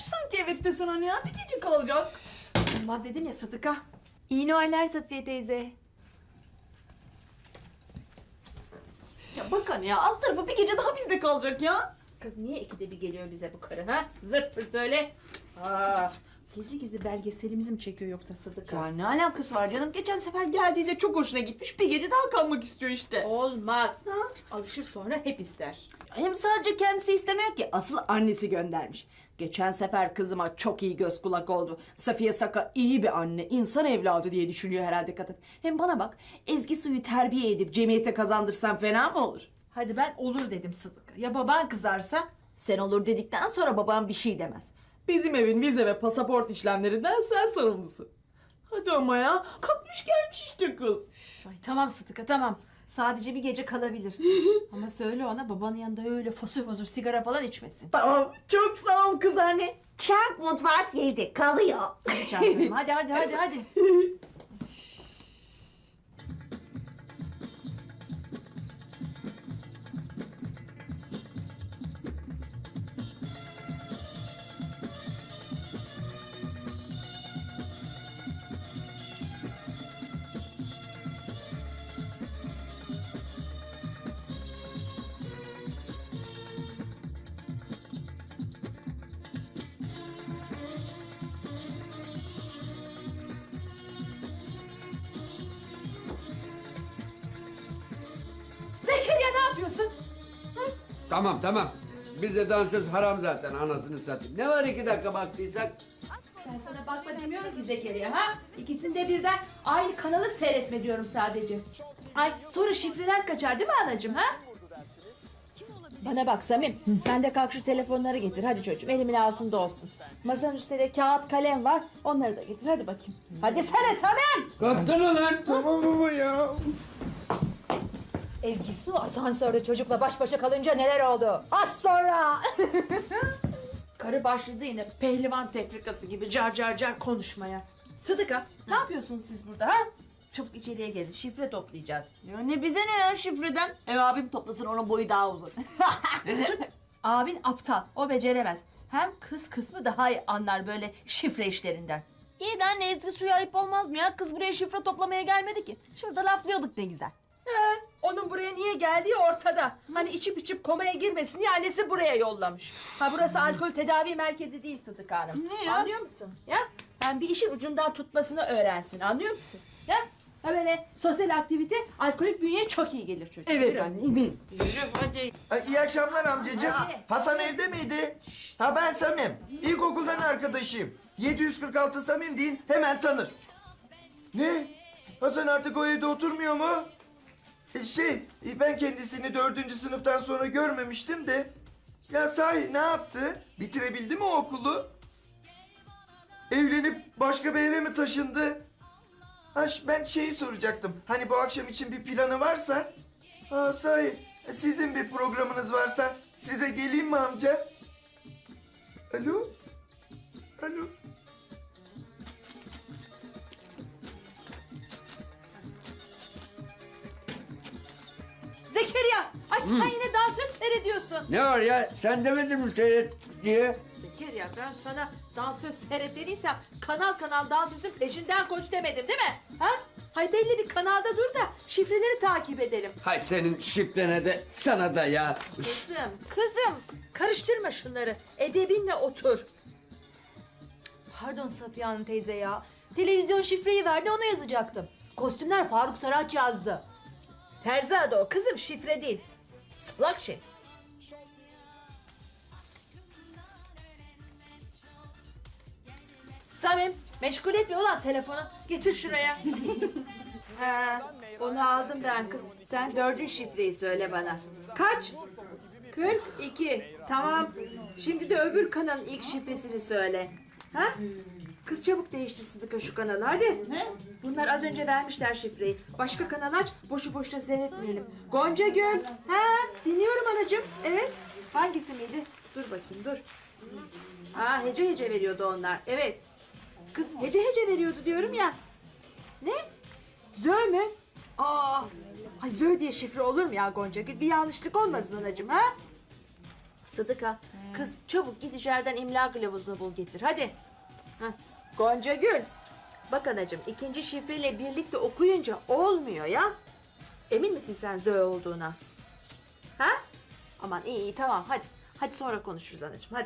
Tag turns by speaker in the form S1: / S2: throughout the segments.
S1: gelmiş sanki evet desen hani ya. Bir gece kalacak.
S2: Olmaz dedim ya Sıtıka.
S3: İyi Noeller Safiye teyze.
S1: Ya bak hani ya alt tarafı bir gece daha bizde kalacak ya.
S2: Kız niye ikide bir geliyor bize bu karı ha? Zırt pırt öyle. Aa, gizli gizli belgeselimizi mi çekiyor yoksa Sıdıka?
S1: Ya ne alakası var canım? Geçen sefer geldiğinde çok hoşuna gitmiş. Bir gece daha kalmak istiyor işte.
S2: Olmaz.
S1: Ha?
S2: Alışır sonra hep ister.
S1: Hem sadece kendisi istemiyor ki. Asıl annesi göndermiş. Geçen sefer kızıma çok iyi göz kulak oldu. Safiye Saka iyi bir anne, insan evladı diye düşünüyor herhalde kadın. Hem bana bak, Ezgi Su'yu terbiye edip cemiyete kazandırsam fena mı olur?
S2: Hadi ben olur dedim Sıdıka. Ya baban kızarsa?
S1: Sen olur dedikten sonra babam bir şey demez. Bizim evin vize ve pasaport işlemlerinden sen sorumlusun. Hadi ama ya, kalkmış gelmiş işte kız.
S2: Ay tamam Sıdıka tamam. Sadece bir gece kalabilir. Ama söyle ona babanın yanında öyle fosur fosur sigara falan içmesin.
S1: Tamam, çok sağ ol kız anne.
S4: Çark mutfağı sevdi, kalıyor.
S2: Hadi çarpalım. Hadi. Zekeriya ne yapıyorsun?
S5: Tamam. Bizde dansöz haram zaten anasını satayım. Ne var 2 dakika baktıysak?
S2: Ben sana bakma demiyorum ki Zekeriya ha? İkisinde birden aynı kanalı seyretme diyorum sadece. Ay sonra şifreler kaçar değil mi anacığım ha? Bana bak Samim, sen de kalk şu telefonları getir. Hadi çocuğum, elimin altında olsun. Masanın üstünde de kağıt kalem var, onları da getir. Hadi bakayım. Hadi sana Samim!
S5: Kaptana lan. Tamam baba ya.
S3: Ezgi Su asansörde çocukla baş başa kalınca neler oldu? Az sonra.
S2: Karı başladı yine pehlivan tefrikası gibi car car car konuşmaya. Sıdıka, ne yapıyorsunuz siz burada ha? Çabuk içeriye gelin, şifre toplayacağız.
S1: Ya ne bize ne ya şifreden? Ev abim toplasın, onun boyu daha uzun.
S2: Abin aptal, o beceremez. Hem kız kısmı daha iyi anlar böyle şifre işlerinden.
S1: İyi de anne, Ezgi Su'ya ayıp olmaz mı ya? Kız buraya şifre toplamaya gelmedi ki. Şurada laflıyorduk ne güzel.
S2: Onun buraya niye geldiği ortada. Hani içip komaya girmesin diye annesi buraya yollamış. Ha burası alkol tedavi merkezi değil Sıdıka Hanım.
S1: Ne ya?
S2: Anlıyor musun? Ya hem bir işin ucundan tutmasını öğrensin, anlıyor musun? Ya ha böyle sosyal aktivite alkolik bünyeye çok iyi gelir çocuk.
S1: Evet
S2: Yürü.
S1: anne, eminim.
S2: Yürü hadi.
S6: İyi akşamlar amcacığım.
S2: Hadi.
S6: Hasan evde miydi? Ha ben Samim. İlkokuldan arkadaşıyım. 746 Samim deyin hemen tanır. Ne? Hasan artık o evde oturmuyor mu? Ben kendisini 4. sınıftan sonra görmemiştim de. Ya sahi ne yaptı? Bitirebildi mi o okulu? Evlenip başka bir eve mi taşındı? Ben şeyi soracaktım. Hani bu akşam için bir planı varsa? Ha sahi sizin bir programınız varsa size geleyim mi amca? Alo? Alo?
S2: Zekeriya! Ay sen yine dansöz seyrediyorsun.
S5: Ne var ya? Sen demedin mi seyret diye?
S2: Zekeriya ben sana dansöz seyret dediysem kanal kanal dansözün peşinden koş demedim değil mi? Ha? Hay belli bir kanalda dur da şifreleri takip edelim.
S5: Hay senin şifrene de sana da ya.
S2: Kızım karıştırma şunları. Edebinle otur.
S3: Pardon Safiye Hanım teyze ya. Televizyon şifreyi verdi, onu yazacaktım. Kostümler Faruk Saraç yazdı.
S2: Terzi adı o kızım, şifre değil. Salak şey. Samim meşgul etme ulan telefonu. Getir şuraya. Onu aldım ben kız. Sen 4. şifreyi söyle bana. Kaç? 42. Tamam. Şimdi de öbür kanalın ilk şifresini söyle. Ha? Kız çabuk değiştir Sıdıka şu kanalı hadi. Bunlar az önce vermişler şifreyi. Başka kanal aç, boşu boşuna seyretmeyelim. Gonca Göl. Ha, dinliyorum anacığım. Evet. Hangisi miydi? Dur bakayım dur. Ha, hece hece veriyordu onlar. Evet. Kız hece hece veriyordu diyorum ya. Ne? Zö mü? Aa, ay Zö diye şifre olur mu ya Gonca Gül? Bir yanlışlık olmasın anacığım ha? Sıdıka, kız çabuk git içeriden imla kılavuzunu bul getir. Hadi. Heh. Gonca Gül. Bak anacığım, ikinci şifreyle birlikte okuyunca olmuyor ya. Emin misin sen Zoe olduğuna? Ha? Aman iyi tamam hadi. Hadi sonra konuşuruz anacığım hadi.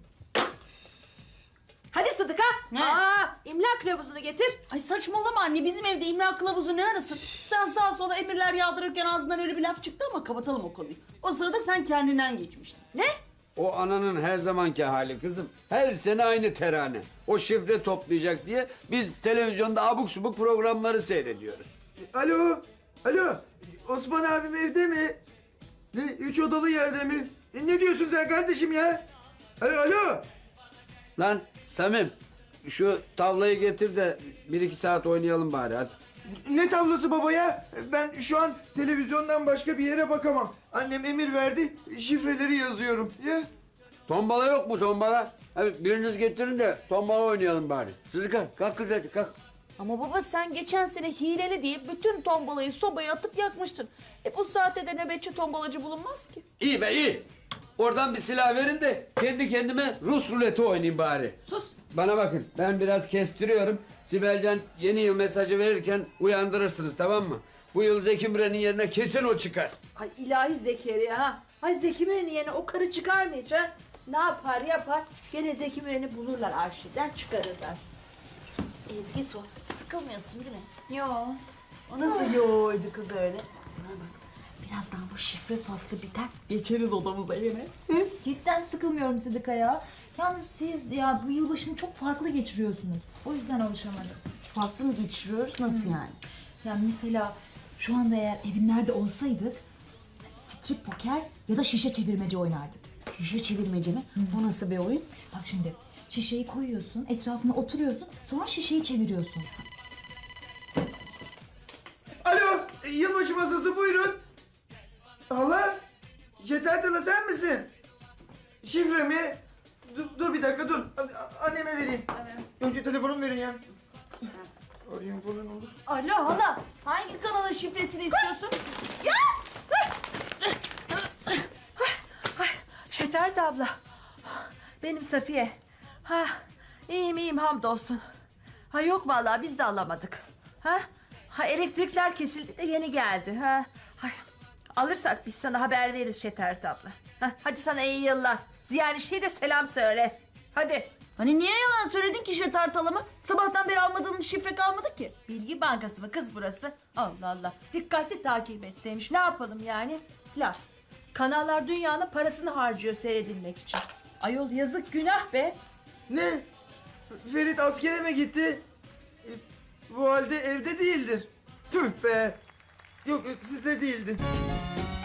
S2: Hadi Sıdıka. İmla kılavuzunu getir.
S1: Ay saçmalama anne, bizim evde imla kılavuzu ne arasın? Sen sağa sola emirler yağdırırken ağzından öyle bir laf çıktı ama kapatalım o konuyu. O sırada sen kendinden geçmiştin.
S2: Ne?
S5: O ananın her zamanki hali kızım. Her sene aynı terane. O şifre toplayacak diye biz televizyonda abuk subuk programları seyrediyoruz.
S6: Alo, alo. Osman abim evde mi? Ne, 3 odalı yerde mi? Ne diyorsun sen kardeşim ya? Alo, alo.
S5: Lan Samim, şu tavlayı getir de 1-2 saat oynayalım bari hadi.
S6: Ne tavlası baba ya? Ben şu an televizyondan başka bir yere bakamam. Annem emir verdi, şifreleri yazıyorum. Ya.
S5: Tombala yok mu tombala? Hadi biriniz getirin de tombala oynayalım bari. Sıdıka kalk kız hadi kalk.
S1: Ama baba sen geçen sene hileli diye bütün tombalayı sobaya atıp yakmıştın. Bu saatte de nöbetçi tombalacı bulunmaz ki.
S5: İyi be iyi. Oradan bir silah verin de kendi kendime Rus ruleti oynayayım bari.
S1: Sus.
S5: Bana bakın ben biraz kestiriyorum. Sibelcan yeni yıl mesajı verirken uyandırırsınız tamam mı? Bu yıl Zeki Müren'in yerine kesin o çıkar.
S2: Ay ilahi Zekeriya ha. Ay Zeki Müren'in yerine o karı çıkar mı hiç ha? Ne yapar yapar. Gene Zeki Müren'i bulurlar arşivden çıkarırlar.
S1: Ezgi sor. Sıkılmıyorsun değil mi?
S2: Yo.
S1: O nasıl yoğuydu kız öyle? Bana bak. Birazdan bu şifre faslı biter. Geçeriz odamıza yine.
S3: Cidden sıkılmıyorum Sıdıka ya. Yalnız siz ya bu yılbaşını çok farklı geçiriyorsunuz. O yüzden alışamadım.
S1: Farklı mı geçiriyoruz? Nasıl yani?
S3: Yani mesela şu anda eğer evimlerde olsaydık strip poker ya da şişe çevirmece oynardık.
S1: Şişe çevirmece mi? O nasıl bir oyun?
S3: Bak şimdi şişeyi koyuyorsun, etrafına oturuyorsun, sonra şişeyi çeviriyorsun.
S6: Alo, yılbaşı masası buyurun. Hala, Yeter Hala sen misin? Şifre mi? Dur bir dakika dur. Anneme vereyim. Önce telefonumu verin ya. Arayayım falan olur.
S1: Alo hala. Hangi kanalın şifresini istiyorsun?
S2: Şetert abla. Benim Safiye. Ha, iyiyim hamdolsun. Ha yok vallahi biz de alamadık. Ha elektrikler kesildi de yeni geldi. Hay, alırsak biz sana haber veririz Şetert abla. Hadi sana iyi yıllar. Ziyanişli'ye de selam söyle. Hadi.
S1: Hani niye yalan söyledin ki şeter talama? Sabahtan beri almadığın şifre kalmadı ki.
S2: Bilgi bankası mı kız burası? Allah Allah. Dikkatli takip etseymiş. Ne yapalım yani? Laf. Kanallar dünyanın parasını harcıyor seyredilmek için. Ayol yazık günah be.
S6: Ne? Ferit askere mi gitti? Bu halde evde değildir. Tüh be. Yok sizde değildi.